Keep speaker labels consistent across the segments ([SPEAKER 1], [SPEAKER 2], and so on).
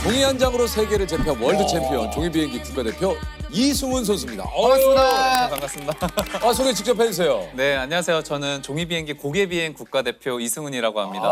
[SPEAKER 1] 종이 한 장으로 세계를 제패한 월드 챔피언 종이 비행기 국가대표 이승훈 선수입니다.
[SPEAKER 2] 반갑습니다.
[SPEAKER 3] 반갑습니다.
[SPEAKER 1] 소개 직접 해주세요.
[SPEAKER 3] 네, 안녕하세요. 저는 종이비행기 고개비행 국가대표 이승훈이라고 합니다.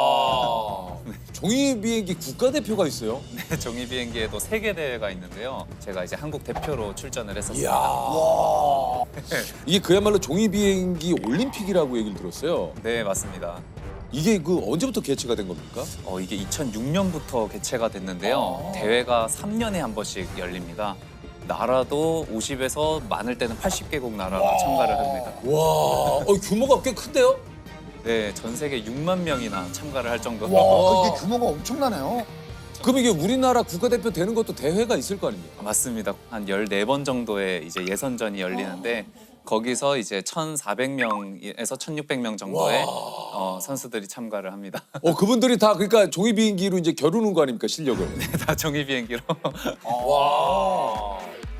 [SPEAKER 1] 종이 비행기 국가대표가 있어요?
[SPEAKER 3] 네, 종이비행기에도 세계 대회가 있는데요. 제가 이제 한국 대표로 출전을 했었습니다.
[SPEAKER 1] 이야. 이게 그야말로 종이 비행기 올림픽이라고 얘기를 들었어요.
[SPEAKER 3] 네, 맞습니다.
[SPEAKER 1] 이게 그 언제부터 개최가 된 겁니까?
[SPEAKER 3] 이게 2006년부터 개최가 됐는데요. 대회가 3년에 한 번씩 열립니다. 나라도 50에서 많을 때는 80개국 나라가 참가를 합니다.
[SPEAKER 1] 와, 규모가 꽤 큰데요?
[SPEAKER 3] 네, 전 세계 6만 명이나 참가를 할 정도로.
[SPEAKER 2] 와, 이게 규모가 엄청나네요.
[SPEAKER 1] 그럼 이게 우리나라 국가대표 되는 것도 대회가 있을 거 아닙니까?
[SPEAKER 3] 맞습니다. 한 14번 정도의 이제 예선전이 열리는데 거기서 이제 1,400명에서 1,600명 정도의 선수들이 참가를 합니다.
[SPEAKER 1] 그분들이 다 그러니까 종이 비행기로 이제 겨루는 거 아닙니까, 실력을?
[SPEAKER 3] 다 종이 비행기로.
[SPEAKER 1] 와.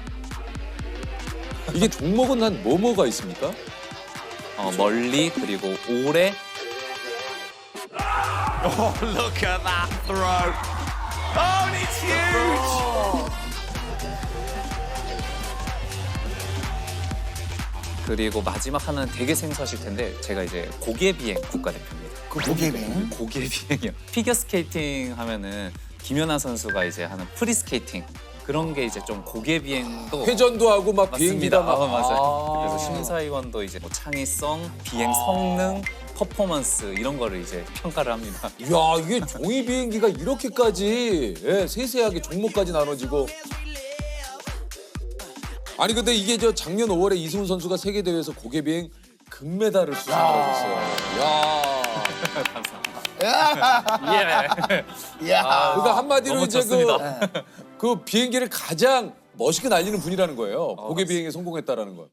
[SPEAKER 1] 이게 종목은 한 뭐가 있습니까?
[SPEAKER 3] 멀리 그리고 오래.
[SPEAKER 4] Oh, look at that throw. Oh, and it's huge.
[SPEAKER 3] 그리고 마지막 하나는 되게 생소하실 텐데 제가 이제 고개비행 국가대표입니다.
[SPEAKER 2] 그 고개비행.
[SPEAKER 3] 고개비행이요. 피겨 스케이팅 하면은 김연아 선수가 이제 하는 프리스케이팅 그런 게 이제 좀 고개비행도
[SPEAKER 1] 회전도 하고 막 비행기다
[SPEAKER 3] 맞습니다.
[SPEAKER 1] 막.
[SPEAKER 3] 맞아요. 그래서 심사위원도 이제 뭐 창의성, 비행 성능, 퍼포먼스 이런 거를 이제 평가를 합니다.
[SPEAKER 1] 이야, 이게 종이 비행기가 이렇게까지 세세하게 종목까지 나눠지고. 아니 근데 이게 작년 5월에 이승훈 선수가 세계 대회에서 고개 비행 금메달을 수상하셨어요. 야.
[SPEAKER 3] 예.
[SPEAKER 2] 이야.
[SPEAKER 1] 그러니까 한마디로
[SPEAKER 3] 너무
[SPEAKER 1] 이제
[SPEAKER 3] 좋습니다.
[SPEAKER 1] 그 비행기를 가장 멋있게 날리는 분이라는 거예요. 고개 비행에 성공했다라는 거.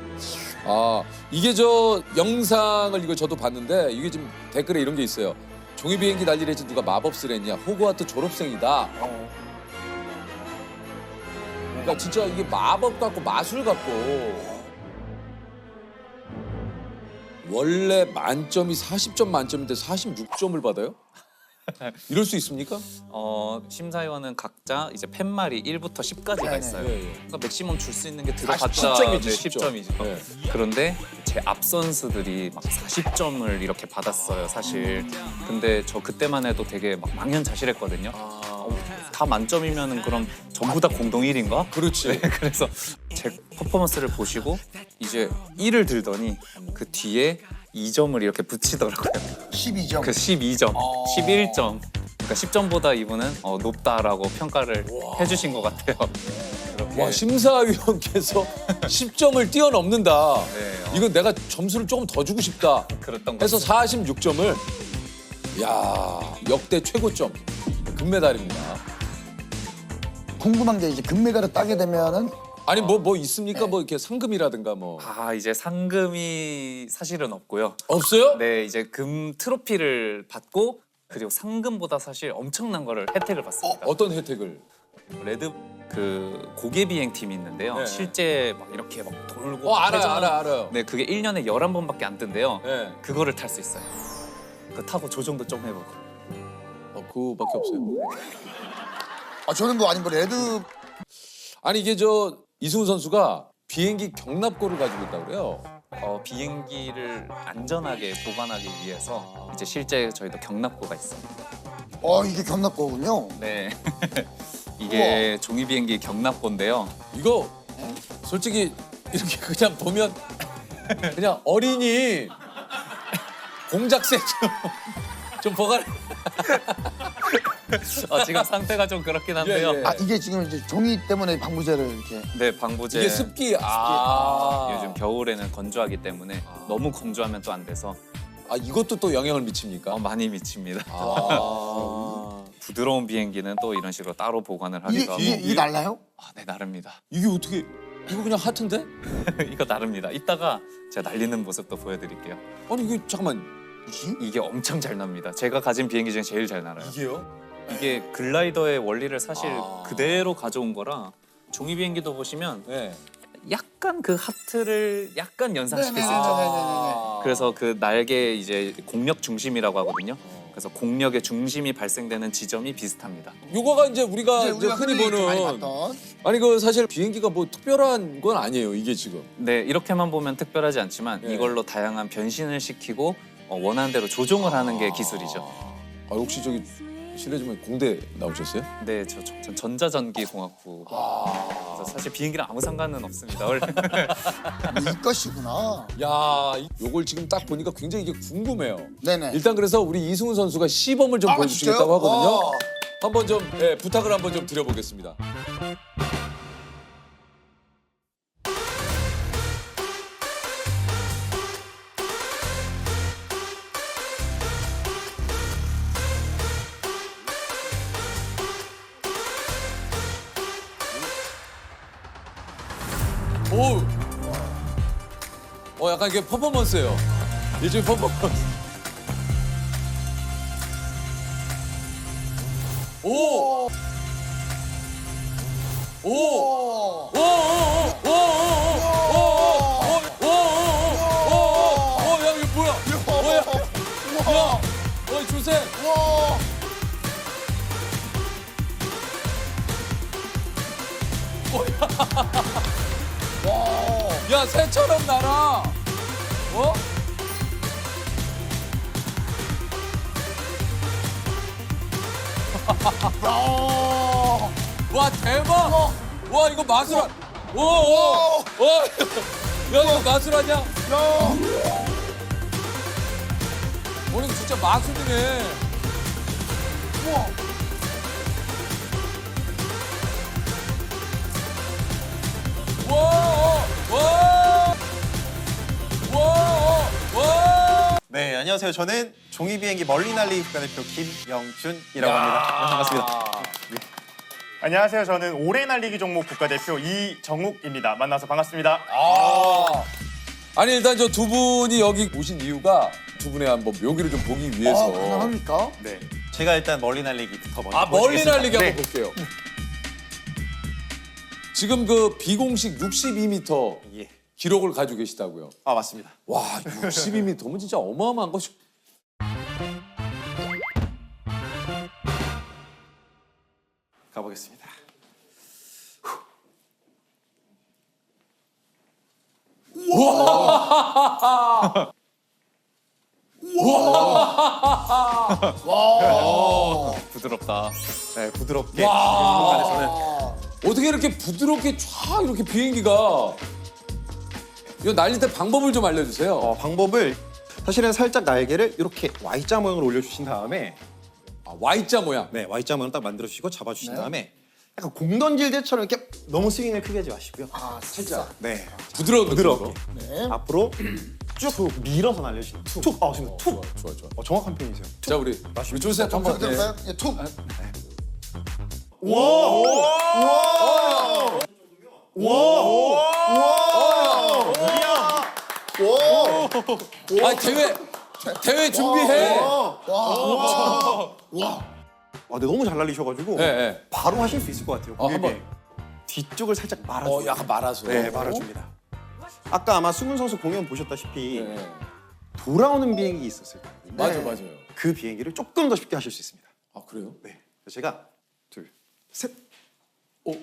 [SPEAKER 1] 이게 영상을 이거 저도 봤는데 이게 지금 댓글에 이런 게 있어요. 종이 비행기 날리래지 누가 마법을 했냐. 호그와트 졸업생이다. 그러니까 진짜 이게 마법 같고 마술 같고. 원래 만점이 40점 만점인데 46점을 받아요? 이럴 수 있습니까?
[SPEAKER 3] 심사위원은 각자 이제 팻말이 1부터 10까지가
[SPEAKER 2] 네네.
[SPEAKER 3] 있어요.
[SPEAKER 1] 예.
[SPEAKER 3] 그러니까 맥시멈 줄 수 있는 게 들어갔다.
[SPEAKER 1] 10점이지,
[SPEAKER 3] 10점이죠.
[SPEAKER 1] 네.
[SPEAKER 3] 그런데 제 앞 선수들이 막 40점을 이렇게 받았어요, 사실. 근데 저 그때만 해도 되게 막 망연자실했거든요. 다 만점이면은 그럼 전부 다 공동 1인가?
[SPEAKER 1] 그렇지.
[SPEAKER 3] 그래서 제 퍼포먼스를 보시고 이제 1을 들더니 그 뒤에 2점을 이렇게 붙이더라고요.
[SPEAKER 2] 12점.
[SPEAKER 3] 그 12점, 11점. 그러니까 10점보다 이분은 높다라고 평가를 해주신 것 같아요. 그렇게.
[SPEAKER 1] 와, 심사위원께서 10점을 뛰어넘는다.
[SPEAKER 3] 네,
[SPEAKER 1] 이건 내가 점수를 조금 더 주고 싶다.
[SPEAKER 3] 그랬던 것
[SPEAKER 1] 해서
[SPEAKER 3] 같아요.
[SPEAKER 1] 46점을 야, 역대 최고점 금메달입니다.
[SPEAKER 2] 궁금한 게 이제 금메달을 따게 되면은
[SPEAKER 1] 아니 뭐 있습니까? 뭐 이렇게 상금이라든가 뭐
[SPEAKER 3] 이제 상금이 사실은 없고요.
[SPEAKER 1] 없어요?
[SPEAKER 3] 네, 이제 금 트로피를 받고 그리고 상금보다 사실 엄청난 거를 혜택을 받습니다.
[SPEAKER 1] 어떤 혜택을?
[SPEAKER 3] 레드 그 고개 비행 팀이 있는데요.
[SPEAKER 1] 네.
[SPEAKER 3] 실제 막 이렇게 막 돌고
[SPEAKER 1] 알아요.
[SPEAKER 3] 네, 그게 1년에 11번밖에 안 뜬대요.
[SPEAKER 1] 네.
[SPEAKER 3] 그거를 탈 수 있어요. 그 타고 조정도 좀 해보고.
[SPEAKER 1] 그거밖에 없어요.
[SPEAKER 2] 저는 뭐 아니 뭐 레드
[SPEAKER 1] 아니 이게 이승훈 선수가 비행기 경납고를 가지고 있다고 그래요.
[SPEAKER 3] 비행기를 안전하게 보관하기 위해서 이제 실제 저희도 경납고가 있어요.
[SPEAKER 2] 이게 경납고군요.
[SPEAKER 3] 네. 이게 종이 비행기 경납고인데요.
[SPEAKER 1] 이거 솔직히 이렇게 그냥 보면 그냥 어린이 공작새 좀 보관.
[SPEAKER 3] 지금 상태가 좀 그렇긴 한데요.
[SPEAKER 1] 예.
[SPEAKER 2] 이게 지금 이제 종이 때문에 방부제를 이렇게
[SPEAKER 3] 네, 방부제.
[SPEAKER 1] 이게 습기.
[SPEAKER 3] 요즘 겨울에는 건조하기 때문에 너무 건조하면 또 안 돼서
[SPEAKER 1] 이것도 또 영향을 미칩니까?
[SPEAKER 3] 많이 미칩니다.
[SPEAKER 1] 아.
[SPEAKER 3] 부드러운 비행기는 또 이런 식으로 따로 보관을
[SPEAKER 2] 이게
[SPEAKER 3] 하기도 하고.
[SPEAKER 2] 이게 날라요?
[SPEAKER 3] 네, 나릅니다.
[SPEAKER 1] 이게 어떻게 이거 그냥 하트인데?
[SPEAKER 3] 이거 나릅니다. 이따가 제가 날리는 모습도 보여드릴게요.
[SPEAKER 1] 아니 이게 잠깐만
[SPEAKER 2] 뭐지?
[SPEAKER 3] 이게 엄청 잘 납니다. 제가 가진 비행기 중에 제일 잘 날아요.
[SPEAKER 1] 이게요?
[SPEAKER 3] 이게 글라이더의 원리를 사실
[SPEAKER 1] 아.
[SPEAKER 3] 그대로 가져온 거라 종이 비행기도 보시면
[SPEAKER 1] 네.
[SPEAKER 3] 약간 그 하트를 약간 연상시킬 수
[SPEAKER 2] 네네네네.
[SPEAKER 3] 있죠.
[SPEAKER 2] 네네네네.
[SPEAKER 3] 그래서 그 날개 이제 공력 중심이라고 하거든요. 그래서 공력의 중심이 발생되는 지점이 비슷합니다.
[SPEAKER 1] 요거가 이제 우리가
[SPEAKER 2] 이제 우리가
[SPEAKER 1] 흔히
[SPEAKER 2] 흔히 많이
[SPEAKER 1] 보는
[SPEAKER 2] 봤던.
[SPEAKER 1] 아니 그 사실 비행기가 뭐 특별한 건 아니에요. 이게 지금.
[SPEAKER 3] 네, 이렇게만 보면 특별하지 않지만
[SPEAKER 1] 네.
[SPEAKER 3] 이걸로 다양한 변신을 시키고 원하는 대로 조종을 하는 게 기술이죠.
[SPEAKER 1] 아 혹시 저기 실례지만 공대 나오셨어요?
[SPEAKER 3] 네, 전 전자전기공학부. 그래서 사실 비행기랑 아무 상관은 없습니다. 원래.
[SPEAKER 2] 이것이구나.
[SPEAKER 1] 야, 요걸 지금 딱 보니까 굉장히 이게 궁금해요.
[SPEAKER 2] 네네.
[SPEAKER 1] 일단 그래서 우리 이승훈 선수가 시범을 좀
[SPEAKER 2] 아,
[SPEAKER 1] 보여주시겠다고
[SPEAKER 2] 진짜요?
[SPEAKER 1] 하거든요.
[SPEAKER 2] 와.
[SPEAKER 1] 한번 좀 부탁을 한번 좀 드려보겠습니다. 오, 약간 이게 퍼포먼스예요. 일종의 퍼포먼스. 오, 오, 오, 오, 오, 오, 오, 오, 오, 오, 야 이거 뭐야? 뭐야? 야, 어이 조셉.
[SPEAKER 2] 와.
[SPEAKER 1] 야 새처럼 날아. 어?
[SPEAKER 2] 야.
[SPEAKER 1] 와 대박. 와 이거 마술. 와. 야 이거 마술하냐?
[SPEAKER 2] 야.
[SPEAKER 1] 오늘 진짜 마술이네.
[SPEAKER 2] 우와.
[SPEAKER 1] 와, 와, 와, 와.
[SPEAKER 5] 네, 안녕하세요. 저는 종이 비행기 멀리 날리기 국가대표 김영준이라고 합니다. 반갑습니다.
[SPEAKER 6] 안녕하세요. 저는 오래 날리기 종목 국가대표 이정욱입니다. 만나서 반갑습니다.
[SPEAKER 1] 아니 일단 저 두 분이 여기 오신 이유가 두 분의 한번 묘기를 좀 보기 위해서.
[SPEAKER 2] 가능합니까?
[SPEAKER 6] 네.
[SPEAKER 5] 제가 일단 멀리 날리기부터 먼저
[SPEAKER 1] 아 멀리
[SPEAKER 5] 보여드리겠습니다.
[SPEAKER 1] 날리기
[SPEAKER 6] 네.
[SPEAKER 1] 한번 볼게요. 지금 그 비공식 62m
[SPEAKER 5] 예.
[SPEAKER 1] 기록을 가지고 계시다고요.
[SPEAKER 5] 아, 맞습니다.
[SPEAKER 1] 와 62m면 진짜 어마어마한 거죠.
[SPEAKER 5] 가보겠습니다.
[SPEAKER 3] 부드럽다.
[SPEAKER 5] 네, 부드럽게
[SPEAKER 1] 와.
[SPEAKER 5] 공간에서는
[SPEAKER 1] 어떻게 이렇게 부드럽게 쫙 이렇게 비행기가 이거 날릴 때 방법을 좀 알려주세요.
[SPEAKER 5] 방법을 사실은 살짝 날개를 이렇게 Y자 모양으로 올려주신 다음에
[SPEAKER 1] 아, Y자 모양.
[SPEAKER 5] 네, Y자 모양 딱 만들어주시고 잡아주신 다음에 약간 공 던질 때처럼 이렇게 너무 스윙을 크게 하지 마시고요.
[SPEAKER 2] 아, 살짝.
[SPEAKER 5] 네,
[SPEAKER 1] 부드러운
[SPEAKER 5] 부드럽게
[SPEAKER 2] 네.
[SPEAKER 5] 앞으로 쭉 밀어서 날려주시는 툭. 아, 지금 툭.
[SPEAKER 1] 좋아 좋아.
[SPEAKER 5] 정확한 표현이세요.
[SPEAKER 1] 자 우리 조셉 한번. 네.
[SPEAKER 2] 들을까요? 예, 툭.
[SPEAKER 1] 아 대회 준비해.
[SPEAKER 5] 아, 근데 너무 잘 날리셔가지고
[SPEAKER 1] 네, 네.
[SPEAKER 5] 바로 하실 수 있을 것 같아요. 고객님.
[SPEAKER 1] 한번.
[SPEAKER 5] 뒤쪽을 살짝 말아줘요.
[SPEAKER 1] 약간 말아서.
[SPEAKER 5] 네, 말아줍니다. 아까 아마 수근 선수 공연 보셨다시피
[SPEAKER 1] 네.
[SPEAKER 5] 돌아오는 비행기 있었을 거예요.
[SPEAKER 1] 맞아
[SPEAKER 2] 네.
[SPEAKER 1] 맞아요.
[SPEAKER 5] 그 비행기를 조금 더 쉽게 하실 수 있습니다.
[SPEAKER 1] 아 그래요?
[SPEAKER 5] 네, 그래서 제가 둘, 셋,
[SPEAKER 2] 오.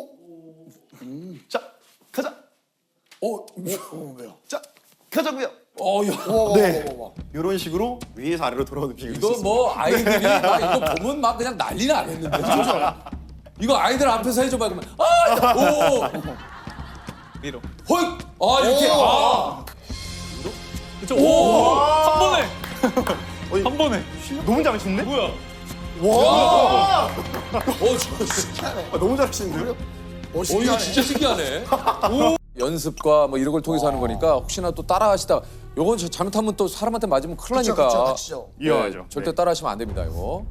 [SPEAKER 5] 자, 가자,
[SPEAKER 2] 오, 왜요?
[SPEAKER 5] 자, 가자고요.
[SPEAKER 1] 야.
[SPEAKER 5] 네, 이런 식으로 위에서 아래로 돌아오는 비행기.
[SPEAKER 1] 이거 뭐 아이들이 막 이거 보면 막 그냥 난리 나겠는데. 이거 아이들 앞에서 해줘봐 그러면 오.
[SPEAKER 3] 위로.
[SPEAKER 1] 헐. 아 이렇게. 아.
[SPEAKER 3] 그쵸? 오! 한 번에! 한 번에!
[SPEAKER 6] 너무 잘하시는데?
[SPEAKER 3] 뭐야?
[SPEAKER 2] 와.
[SPEAKER 1] 저.
[SPEAKER 5] 너무 잘하시는데요?
[SPEAKER 1] 이거 진짜 신기하네. 오. 연습과 뭐 이런 걸 통해서 하는 거니까 혹시나 또 따라하시다 요건 잘못하면 또 사람한테 맞으면 큰일
[SPEAKER 2] 그쵸,
[SPEAKER 1] 나니까.
[SPEAKER 2] 그쵸, 다치죠.
[SPEAKER 6] 위험하죠.
[SPEAKER 1] 절대
[SPEAKER 6] 네.
[SPEAKER 1] 따라하시면 안 됩니다 이거.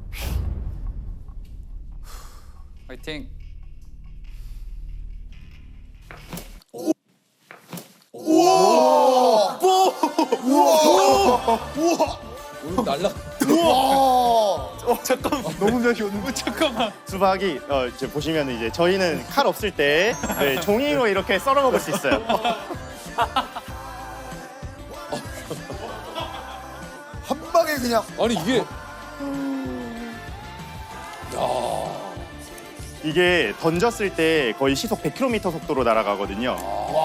[SPEAKER 3] 화이팅!
[SPEAKER 1] 오늘 날라.
[SPEAKER 6] 너무 잘하셨는데? 잠깐만. 수박이 이제 보시면 이제 저희는 칼 없을 때 네, 종이로 이렇게 썰어 먹을 수 있어요.
[SPEAKER 2] 한 방에 그냥.
[SPEAKER 1] 아니 이게
[SPEAKER 6] 이게 던졌을 때 거의 시속 100km 속도로 날아가거든요.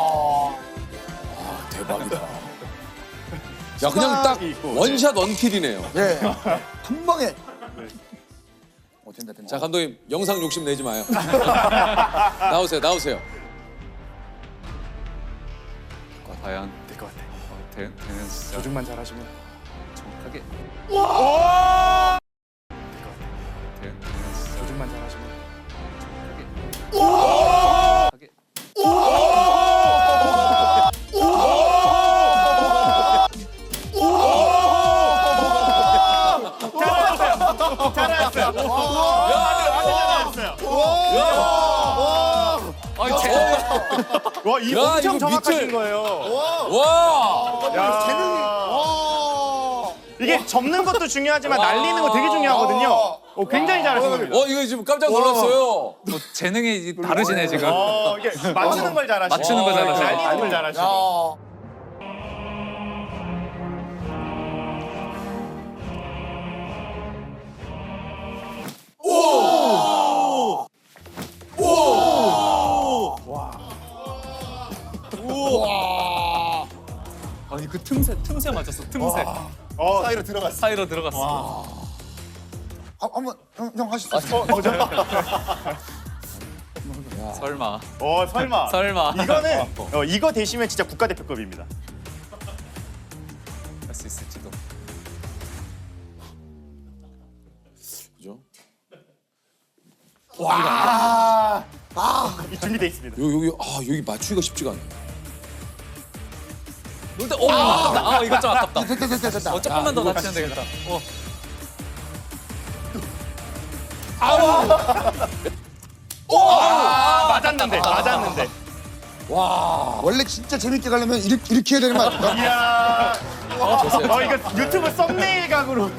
[SPEAKER 1] 대박이다. 야 그냥 딱
[SPEAKER 6] 수박이 있고,
[SPEAKER 1] 원샷 원킬이네요.
[SPEAKER 2] 네. 한 방에. 된다 된다.
[SPEAKER 1] 자 감독님 영상 욕심 내지 마요. 나오세요 나오세요.
[SPEAKER 3] 과연
[SPEAKER 6] 될 것 같아.
[SPEAKER 3] 되는 진짜
[SPEAKER 6] 조준만 잘하시면.
[SPEAKER 3] 정확하게. 되는 진짜
[SPEAKER 6] 조준만 잘하시면.
[SPEAKER 3] 정확하게. 아니 제
[SPEAKER 6] 와, 이
[SPEAKER 1] 야,
[SPEAKER 6] 엄청
[SPEAKER 1] 이거
[SPEAKER 6] 정확하신
[SPEAKER 1] 밑을.
[SPEAKER 6] 거예요.
[SPEAKER 1] 와.
[SPEAKER 6] 야.
[SPEAKER 2] 재능이.
[SPEAKER 6] 이게 접는 것도 중요하지만 날리는 거 되게 중요하거든요. 굉장히 잘하신 겁니다.
[SPEAKER 1] 이거 지금 깜짝 놀랐어요.
[SPEAKER 3] 뭐 재능이 다르시네 지금.
[SPEAKER 6] 이게 맞추는 걸 잘하시고.
[SPEAKER 3] 맞추는 걸 잘하시고.
[SPEAKER 6] 날리는 걸 잘하시고.
[SPEAKER 2] 야.
[SPEAKER 3] 아니 그 틈새 맞았어 틈새.
[SPEAKER 2] 사이로 들어갔어.
[SPEAKER 3] 사이로 들어갔어.
[SPEAKER 2] 한번 형 하시죠.
[SPEAKER 3] 설마.
[SPEAKER 6] 설마.
[SPEAKER 3] 설마.
[SPEAKER 6] 이거는 이거 되시면 진짜 국가대표급입니다.
[SPEAKER 3] 할 수 있을지도.
[SPEAKER 1] 그죠?
[SPEAKER 6] 준비돼 있습니다.
[SPEAKER 1] 여기 맞추기가 쉽지가 않네.
[SPEAKER 3] 근데 이거 좀 아깝다.
[SPEAKER 2] 됐다.
[SPEAKER 3] 조금만 더 낮추면 되겠다.
[SPEAKER 6] 맞았는데.
[SPEAKER 2] 원래 진짜 재밌게 가려면 이렇게 해야 되는 거 아닙니까?
[SPEAKER 6] 이야.
[SPEAKER 1] 됐어요.
[SPEAKER 6] 이거 유튜브 썸네일 각으로.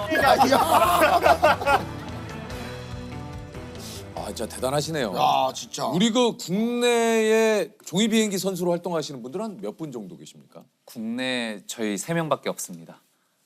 [SPEAKER 1] 진짜 대단하시네요.
[SPEAKER 2] 야 진짜.
[SPEAKER 1] 우리 그 국내에 종이 비행기 선수로 활동하시는 분들은 한 몇 분 정도 계십니까?
[SPEAKER 3] 국내 저희 3명밖에 없습니다.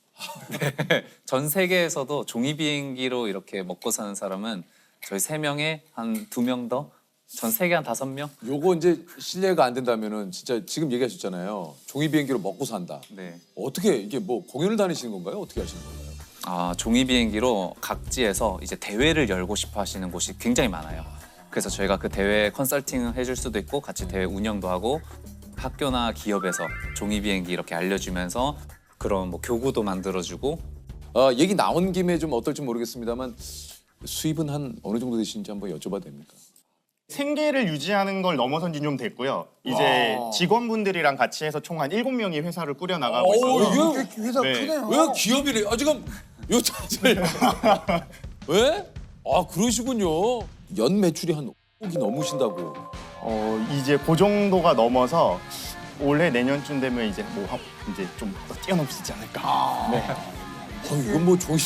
[SPEAKER 3] 네. 전 세계에서도 종이 비행기로 이렇게 먹고 사는 사람은 저희 3명에 한 2명 더, 전 세계 한 5명?
[SPEAKER 1] 요거 이제 실례가 안 된다면은 진짜 지금 얘기하셨잖아요. 종이 비행기로 먹고 산다.
[SPEAKER 3] 네.
[SPEAKER 1] 어떻게 이게 뭐 공연을 다니시는 건가요? 어떻게 하시는 건가요?
[SPEAKER 3] 종이 비행기로 각지에서 이제 대회를 열고 싶어 하시는 곳이 굉장히 많아요. 그래서 저희가 그 대회 컨설팅을 해줄 수도 있고 같이 대회 운영도 하고 학교나 기업에서 종이 비행기 이렇게 알려주면서 그런 뭐 교구도 만들어주고.
[SPEAKER 1] 얘기 나온 김에 좀 어떨지 모르겠습니다만 수입은 한 어느 정도 되시는지 한번 여쭤봐도 됩니까?
[SPEAKER 6] 생계를 유지하는 걸 넘어선 지 좀 됐고요. 이제 직원분들이랑 같이 해서 총 한 7명이 회사를 꾸려 나가고 있어요.
[SPEAKER 1] 이게
[SPEAKER 2] 회사
[SPEAKER 6] 네.
[SPEAKER 2] 크네요.
[SPEAKER 1] 왜 기업이래? 지금 요 자질. 왜? 그러시군요. 연 매출이 한 5억이 넘으신다고.
[SPEAKER 6] 이제 그 정도가 넘어서 올해 내년쯤 되면 이제 이제 좀 뛰어넘을 수 있지 않을까. 네.
[SPEAKER 1] 이건 뭐 종이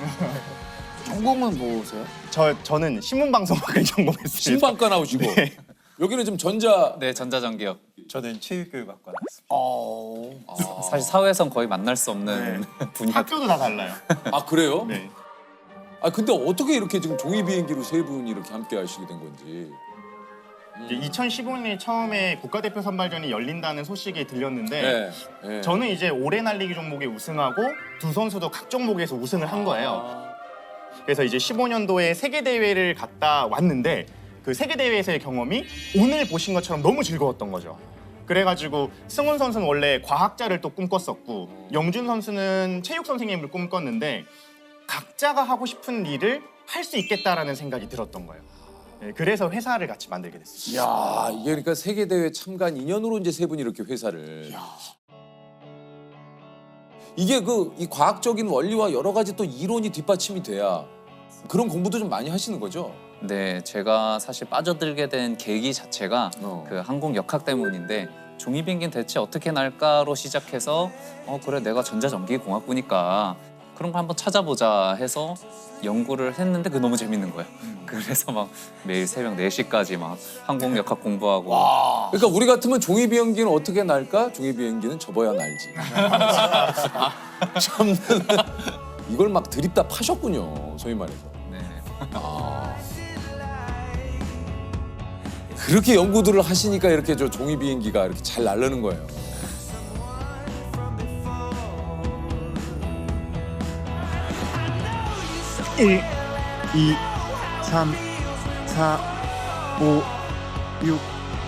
[SPEAKER 2] 전공은 뭐세요?
[SPEAKER 6] 저는 신문방송학을 전공했습니다.
[SPEAKER 1] 신방과 나오시고 여기는 좀 전자.
[SPEAKER 3] 네, 전자전기업.
[SPEAKER 5] 저는 체육교육학과 나왔습니다.
[SPEAKER 3] 사실 사회에선 거의 만날 수 없는 분야.
[SPEAKER 6] 학교도 다 달라요.
[SPEAKER 1] 그래요?
[SPEAKER 6] 네.
[SPEAKER 1] 근데 어떻게 이렇게 지금 종이 비행기로 세 분이 이렇게 함께 하시게 된 건지.
[SPEAKER 6] 이제 2015년에 처음에 국가대표 선발전이 열린다는 소식이 들렸는데
[SPEAKER 1] 네.
[SPEAKER 6] 저는 이제 오래 날리기 종목에 우승하고 두 선수도 각 종목에서 우승을 한 거예요. 그래서 이제 15년도에 세계 대회를 갔다 왔는데 그 세계 대회에서의 경험이 오늘 보신 것처럼 너무 즐거웠던 거죠. 그래가지고 승훈 선수는 원래 과학자를 또 꿈꿨었고 영준 선수는 체육 선생님을 꿈꿨는데 각자가 하고 싶은 일을 할 수 있겠다라는 생각이 들었던 거예요. 네, 그래서 회사를 같이 만들게 됐어요.
[SPEAKER 1] 이게 그러니까 세계 대회 참관 인연으로 이제 세 분이 이렇게 회사를. 이게 이 과학적인 원리와 여러 가지 또 이론이 뒷받침이 돼야 그런 공부도 좀 많이 하시는 거죠.
[SPEAKER 3] 네, 제가 사실 빠져들게 된 계기 자체가 그 항공 역학 때문인데 종이 비행기는 대체 어떻게 날까로 시작해서 그래 내가 전자전기공학부니까 그런 거 한번 찾아보자 해서 연구를 했는데 그게 너무 재밌는 거예요. 그래서 막 매일 새벽 4시까지 막 항공 역학 공부하고.
[SPEAKER 1] 그러니까 우리 같으면 종이 비행기는 어떻게 날까? 종이 비행기는 접어야 날지. 참는 이걸 막 드립다 파셨군요. 소위 말해서.
[SPEAKER 3] 네.
[SPEAKER 1] 그렇게 연구들을 하시니까 이렇게 저 종이 비행기가 이렇게 잘 날르는 거예요.
[SPEAKER 6] 일, 2, 3, 4, 5, 6.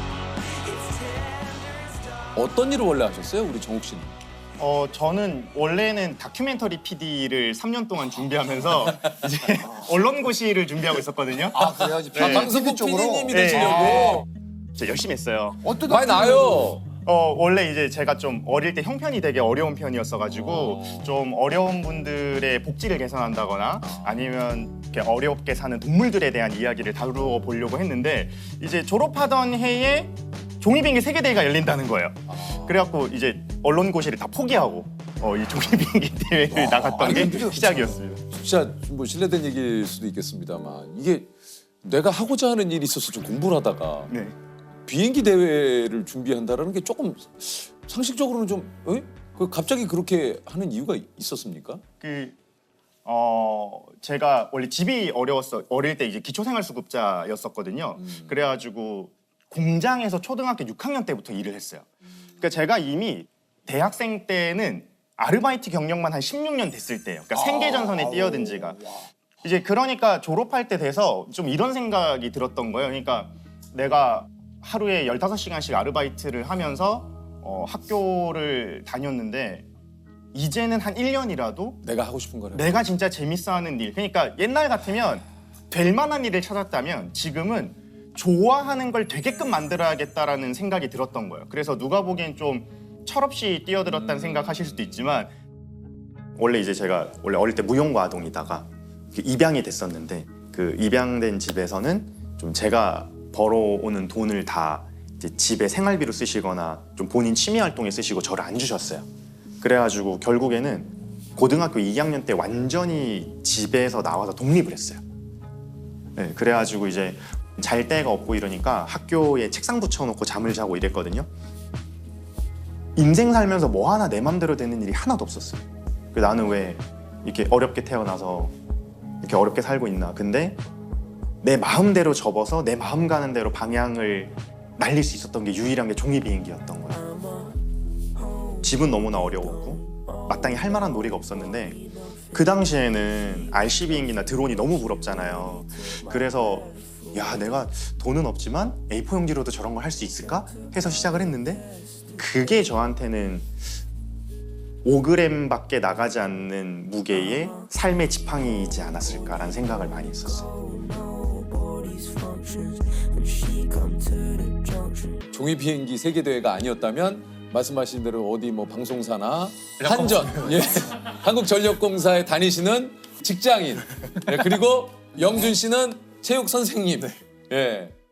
[SPEAKER 1] 어떤 일을 원래 하셨어요, 우리 정욱 씨는?
[SPEAKER 6] 저는 원래는 다큐멘터리 PD를 3년 동안 준비하면서 이제 언론고시를 준비하고 있었거든요.
[SPEAKER 2] 그래요?
[SPEAKER 1] 방송국
[SPEAKER 2] 쪽으로?
[SPEAKER 1] PD님이
[SPEAKER 6] 네.
[SPEAKER 1] 되시려고
[SPEAKER 6] 진짜 열심히 했어요.
[SPEAKER 2] 어떤
[SPEAKER 1] 많이 나요.
[SPEAKER 6] 원래 이제 제가 좀 어릴 때 형편이 되게 어려운 편이었어가지고 좀 어려운 분들의 복지를 개선한다거나 아니면 이렇게 어렵게 사는 동물들에 대한 이야기를 다루어 보려고 했는데 이제 졸업하던 해에 종이비행기 세계대회가 열린다는 거예요. 그래갖고 이제 언론고시를 다 포기하고 이 종이비행기 대회를 나갔던 게 시작이었어요.
[SPEAKER 1] 진짜 뭐 실례된 얘기일 수도 있겠습니다만 이게 내가 하고자 하는 일이 있어서 좀 공부를 하다가
[SPEAKER 6] 네.
[SPEAKER 1] 비행기 대회를 준비한다라는 게 조금 상식적으로는 좀 그 갑자기 그렇게 하는 이유가 있었습니까?
[SPEAKER 6] 제가 원래 집이 어릴 때 이제 기초생활수급자였었거든요. 그래가지고 공장에서 초등학교 6학년 때부터 일을 했어요. 그러니까 제가 이미 대학생 때는 아르바이트 경력만 한 16년 됐을 때예요. 그러니까 생계전선에 뛰어든 지가. 이제 그러니까 졸업할 때 돼서 좀 이런 생각이 들었던 거예요. 그러니까 내가 하루에 15시간씩 아르바이트를 하면서 학교를 다녔는데 이제는 한 1년이라도
[SPEAKER 1] 내가 하고 싶은 거를.
[SPEAKER 6] 내가 진짜 재밌어하는 일. 그러니까 옛날 같으면 될 만한 일을 찾았다면 지금은 좋아하는 걸 되게끔 만들어야겠다라는 생각이 들었던 거예요. 그래서 누가 보기엔 좀 철없이 뛰어들었다는 생각하실 수도 있지만 원래 이제 제가 원래 어릴 때 무용과 아동이다가 입양이 됐었는데 그 입양된 집에서는 좀 제가 벌어오는 돈을 다 이제 집에 생활비로 쓰시거나 좀 본인 취미 활동에 쓰시고 저를 안 주셨어요. 그래가지고 결국에는 고등학교 2학년 때 완전히 집에서 나와서 독립을 했어요. 네, 그래가지고 이제 잘 데가 없고 이러니까 학교에 책상 붙여놓고 잠을 자고 이랬거든요. 인생 살면서 뭐 하나 내 맘대로 되는 일이 하나도 없었어요. 나는 왜 이렇게 어렵게 태어나서 이렇게 어렵게 살고 있나. 근데 내 마음대로 접어서 내 마음 가는 대로 방향을 날릴 수 있었던 게 유일한 게 종이 비행기였던 거예요. 집은 너무나 어려웠고 마땅히 할 만한 놀이가 없었는데 그 당시에는 RC 비행기나 드론이 너무 부럽잖아요. 그래서 야, 내가 돈은 없지만 A4 용지로도 저런 걸 할 수 있을까? 해서 시작을 했는데 그게 저한테는 5g밖에 나가지 않는 무게의 삶의 지팡이이지 않았을까라는 생각을 많이 했었어요.
[SPEAKER 1] 종이 비행기 세계 대회가 아니었다면 말씀하신 대로 어디 뭐 방송사나 한전, 예, 한국전력공사에 다니시는 직장인, 예, 그리고 영준 씨는 체육 선생님, 예,